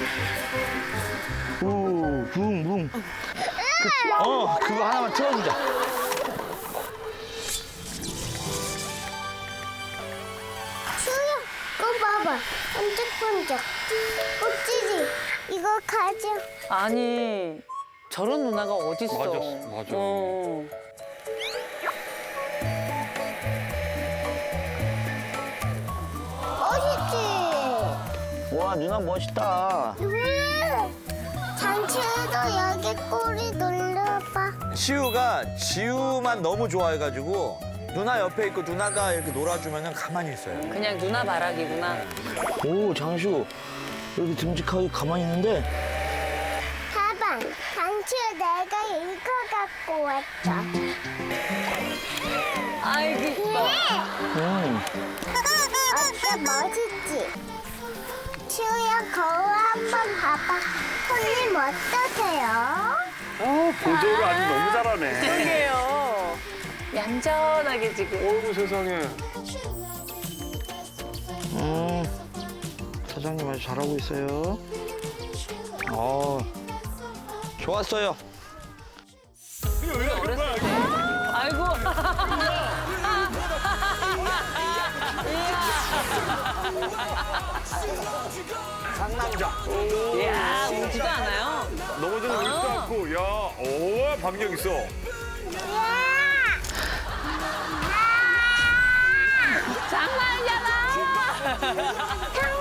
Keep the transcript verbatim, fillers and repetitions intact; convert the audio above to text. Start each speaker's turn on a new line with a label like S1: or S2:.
S1: 오, 붕, 붕. 그, 어, 그거 하나만 틀어주자.
S2: 수야, 이거 봐봐. 번쩍번쩍. 멋지지? 이거 가져.
S3: 아니 저런 누나가 어딨어.
S4: 맞아, 맞아.
S3: 어.
S2: 멋있지?
S1: 와, 누나 멋있다.
S2: 음, 잔치에도 여기 꼬리 눌러봐.
S5: 시우가 지우만 너무 좋아해가지고 누나 옆에 있고 누나가 이렇게 놀아주면 가만히 있어요.
S3: 그냥 누나 바라기구나.
S1: 오, 장수. 여기 듬직하게 가만히 있는데.
S2: 가방, 잔치에 내가 이거 갖고 왔어.
S3: 아이고 이뻐.
S1: 음.
S2: 어때, 멋있지? 시우야, 거울 한번 봐봐. 손님 어떠세요?
S4: 어, 보조를 아주 너무 잘하네.
S3: 그러게요. 얌전하게 지금.
S4: 어이구, 세상에.
S1: 음. 사장님 아주 잘하고 있어요. 어. 좋았어요.
S3: 어렸을 때. 아이고.
S5: 상남자.
S3: 이야 울지도 않아요.
S4: 넘어지는 거 있지도 않고, 야, 오, 반격 있어.
S3: 장난이잖아.
S2: 장난이야.